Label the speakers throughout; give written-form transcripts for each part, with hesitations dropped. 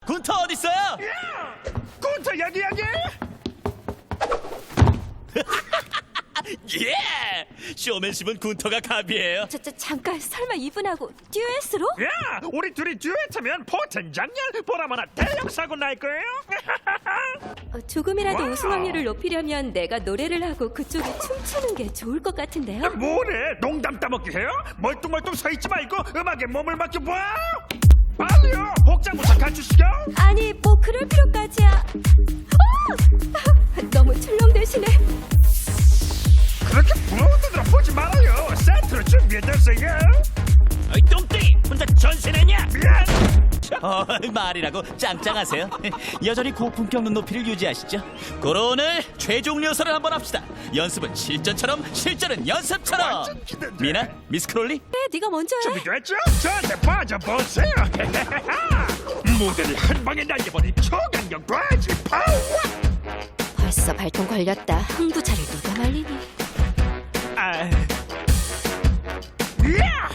Speaker 1: 군터 어딨어요?
Speaker 2: 군터 여기.
Speaker 1: 예! 쇼맨십은 군터가 갑이에요.
Speaker 3: 잠깐 설마 이분하고 듀엣으로?
Speaker 2: 야, 우리 둘이 듀엣하면 포텐 장렬 보라마나 대형 사고 날 거예요.
Speaker 3: 조금이라도
Speaker 2: 와우.
Speaker 3: 우승 확률을 높이려면 내가 노래를 하고 그쪽이 춤추는 게 좋을 것 같은데요?
Speaker 2: 뭐래? 농담 따먹기 해요? 멀뚱멀뚱 서 있지 말고 음악에 몸을 맡겨봐. 빨리요, 복장부터 갖추시죠.
Speaker 3: 아니 뭐 그럴 필요까지야. 너무 출렁대시네.
Speaker 2: 그렇게 부러운 눈으로 보지 말아요. 세트로 준비해뒀어요.
Speaker 1: 어이 똥땡이 혼자 전신했냐?
Speaker 2: 미안.
Speaker 1: 말이라고 짱짱하세요. 여전히 고품격 눈높이를 유지하시죠. 그럼 오늘 최종 리허설을 한번 합시다. 연습은 실전처럼 실전은 연습처럼.
Speaker 2: 완전 기대돼.
Speaker 1: 미나, 미스 크롤리.
Speaker 3: 그래 네가 먼저 해.
Speaker 2: 준비됐죠? 저한테 빠져보세요. 무대를 한 방에 날려버린 초강력 과지 파워.
Speaker 3: 벌써 발동 걸렸다. 흥부차를 누가 말리니?
Speaker 2: 야!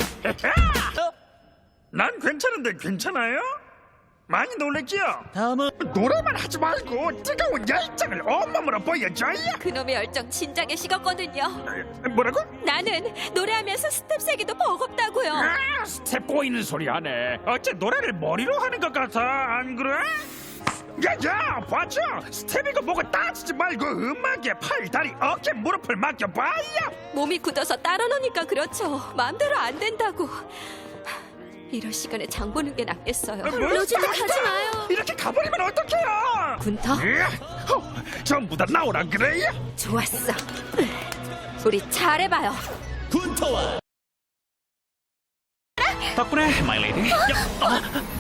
Speaker 2: 난 괜찮은데 괜찮아요? 많이 놀랬지요?
Speaker 1: 다음은
Speaker 2: 노래만 하지 말고 뜨거운 열정을 온몸으로 보여줘요.
Speaker 3: 그놈의 열정 진작에 식었거든요.
Speaker 2: 뭐라고?
Speaker 3: 나는 노래하면서 스텝 세기도 버겁다고요.
Speaker 2: 스텝 꼬이는 소리 하네. 어째 노래를 머리로 하는 것 같아, 안 그래? 야야, 봤죠? 스텝이고 뭐고 따지지 말고 음악에 팔, 다리, 어깨, 무릎을 맡겨봐요.
Speaker 3: 몸이 굳어서 따라 노니까 그렇죠. 마음대로 안 된다고. 이럴 시간에 장 보는 게 낫겠어요. 로즈는 가지 마요.
Speaker 2: 이렇게 가버리면 어떡해요?
Speaker 3: 군터?
Speaker 2: 전부 다 나오라 그래요?
Speaker 3: 좋았어. 우리 잘해봐요.
Speaker 1: 군터와
Speaker 4: 덕분에 마이 레이디